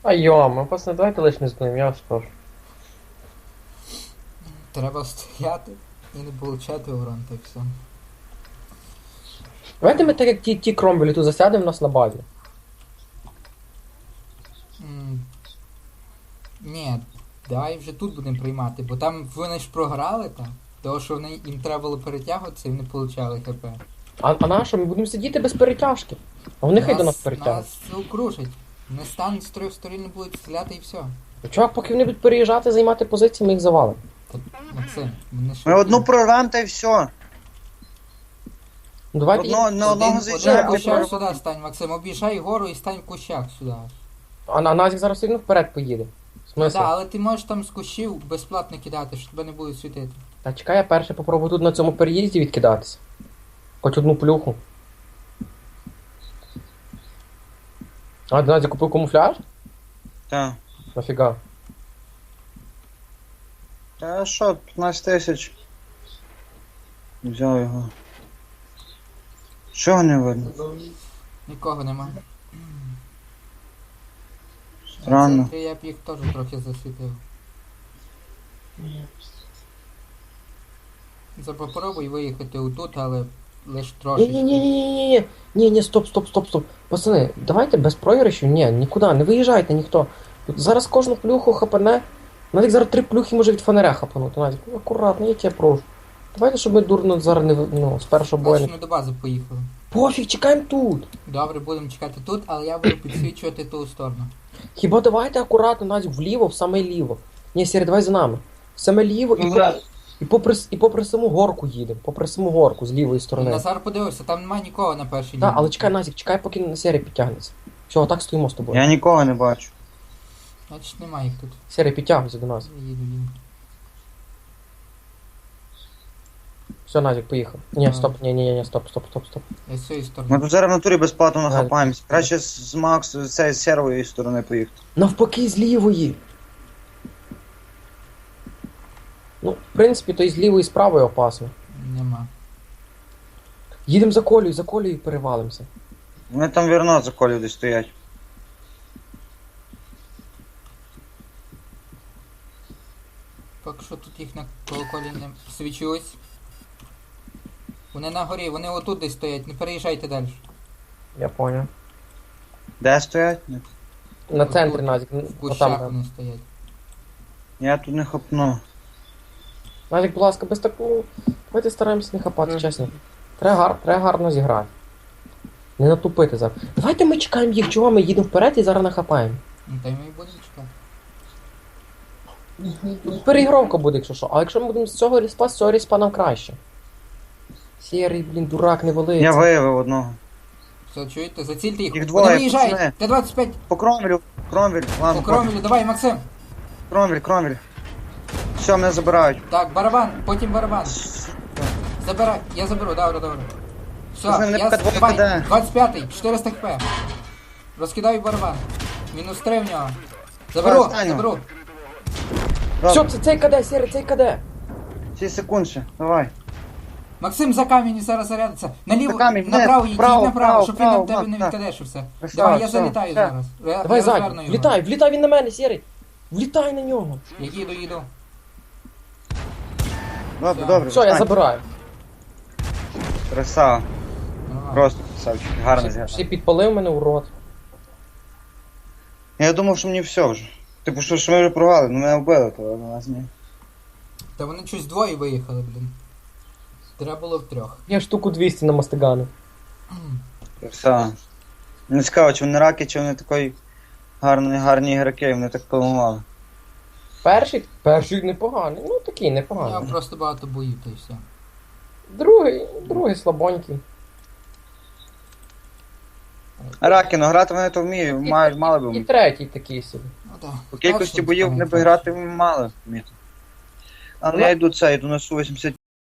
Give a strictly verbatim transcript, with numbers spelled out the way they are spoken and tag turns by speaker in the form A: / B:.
A: А йома, пацани, давайте лиш не здуємо, я вас прошу.
B: Треба стояти і не получати урон, так все.
A: Давайте ми так як ті, ті кромбелі тут засядемо в нас на базі.
B: М, Ні, давай вже тут будемо приймати, бо там вони ж програли там. Того, що вони, їм треба було перетягуватися і вони получали хп.
A: А, а на що? Ми будемо сидіти без перетяжки. А вони хай до нас
B: Нас,
A: перетягнуть.
B: нас окружать. Вони стануть з трьох сторін, не будуть стріляти і все.
A: Ну, чувак, поки вони будуть переїжджати, займати позиції, ми їх завалимо.
B: Та, Максим, вони ж...
C: Ми одну прорвем та й все.
A: Ну давайте
C: Одно,
A: їх...
C: на одного
B: Один,
C: заїжджаємо,
B: один
C: не
B: кущак
C: прорвем.
B: сюди стань, Максим, об'їжджай гору і стань в кущах сюди.
A: А на Назік зараз все одно вперед поїде. В смислі?
B: Так, але ти можеш там з кущів безплатно кидати, що тебе не будуть світити.
A: Та чекай, я перше попробую тут на цьому переїзді відкидатися. Хоч одну плюху. А, Назік купив камуфляж?
C: Так.
A: Нафіга?
C: Та що, п'ятнадцять тисяч. Взяв його. Чого не видно?
B: Нікого нема.
C: Странно.
B: Це, я б їх теж трохи засвітив. За попробуй виїхати отут, але лиш трошечки.
A: Ні-ні-ні-ні-ні-ні. Ні-ні, стоп, стоп, стоп, стоп. Пацани, давайте без програшів, ні, нікуди, не виїжджайте ніхто. Тут зараз кожну плюху хапане. Навіть зараз три плюхи може від фонаря хапанути. Назік, ну акуратно, я тебе прошу. Давайте, щоб ми дурно зараз не, ну, з першого бою.
B: Значить,
A: не-
B: ми до бази поїхали.
A: Пофіг, чекаємо тут.
B: Добре, будемо чекати тут, але я буду підсвічувати ту сторону.
A: Хіба давайте акуратно, Назік, вліво, в саме ліво. Ні, Сірі, давай за нами. В саме ліво і, по, і, попри, і попри саму горку їдемо. Попри саму горку з лівої сторони.
B: Назар подивився, там немає нікого на першій
A: Так,
B: лінії.
A: але чекай, Назік, чекай, поки на Сірі підтягнеться. Все, отак стоїмо з тобою.
C: Я нікого не бачу.
B: Значить немає їх тут.
A: Сірі, підтягуйся до нас.
B: Я їду, їду.
A: Все, Назік, поїхав. Ні,
B: Ага.
A: стоп, ні, ні, ні, стоп, стоп, стоп, стоп.
B: Я з цієї
C: Ми
B: сторони.
C: тут зараз в натурі безплатно
A: Так.
C: нахапаємось. Краще з з Макс, з цієї сервої сторони поїхати.
A: Навпаки, з лівої. Ну, в принципі, то і з лівої, і з правої опасно.
B: Нема.
A: Їдемо за колею, за колею і перевалимося.
C: Вони там вірно за колів десь стоять.
B: Поки що тут їх на колоколі не свічусь. Вони на горі, вони отут десь стоять, не переїжджайте далі.
A: Я понял.
C: Де стоять? Ні.
A: На
B: Отут,
A: центрі, Назік.
B: В
A: Отам.
B: кущах
A: там.
B: вони стоять.
C: Я тут не хапну.
A: Назік, будь ласка, без такого. Давайте стараємося не хапати,
B: Мгм.
A: чесно. Треба, гар... Треба гарно зіграти. Не натупити зараз. Давайте ми чекаємо їх, чого ми їдемо вперед і зараз нахапаємо.
B: Ну та й ми і будемо чекати.
A: Тут переігровка буде, якщо що. А якщо ми будемо з цього ріспа, з цього ріспа нам краще. Сірий, блін, дурак, не
C: Я
A: валиться.
C: виявив одного.
B: Все, чуєте? Зацільте їх.
C: Їх
B: Вони
C: двоє,
B: виїжджають!
C: пацани.
B: Т двадцять п'ять
C: По кромвелю, кромвель,
B: по
C: ладно,
B: кромелю, давай, Максим!
C: кромвель, кромвель. Все, мене забирають.
B: Так, барабан, потім барабан. Забирай, я заберу, добре, добре. Все,
C: Пацани, не
B: я
C: пока двоє
B: давай,
C: кидає.
B: двадцять п'ятий, чотириста хп. Розкидаю барабан. Мінус три в нього. Заберу,
C: останнього.
B: заберу.
A: Все, це цей каде, Сірий, цей каде.
C: шість секунд ще, давай.
B: Максим за камінь і зараз зарядиться. Наліво,
C: За камінь,
B: направо,
C: вниз,
B: їдь,
C: вправо,
B: їдь направо,
C: вправо,
B: щоб він на
C: вправо,
B: тебе не
C: так.
B: відкадешився.
C: Красава,
B: Давай, я
C: все,
B: залітаю
C: все.
B: зараз. Я-
A: Давай,
B: я
A: ззаді,
B: розверну його.
A: влітай, влітай він на мене, Сірий. Влітай на нього.
B: Я їду, їду.
C: Добре,
B: Все.
C: добре.
A: Все, я
C: встань.
A: забираю.
C: Красава.
B: Нормально.
C: Просто красавчик. Гарно
A: Всі, всі
C: зіграв.
A: підпалив мене, урод.
C: Я думав, що мені все вже. Типу, що, що ми вже програли, ну мене вбили, то але нас ні.
B: Та вони щось двоє виїхали, блін. Треба було в трьох.
A: Я штуку двісті на мастигану.
C: Красава. Не цікаво, чи вони раки, чи вони такої гарні, гарні ігроки, вони так поламали.
A: Перший? Перший непоганий. Ну такий
B: Я
A: непоганий.
B: просто багато боїв, та й все.
A: Другий, другий слабонький.
C: Раки, ну грати вони то вміють, мають, мали б
A: І
C: вміти.
A: третій такий собі.
B: Ну так.
C: По кількості боїв вони б грати мали вміти. Але я йду це, йду на Су вісімдесят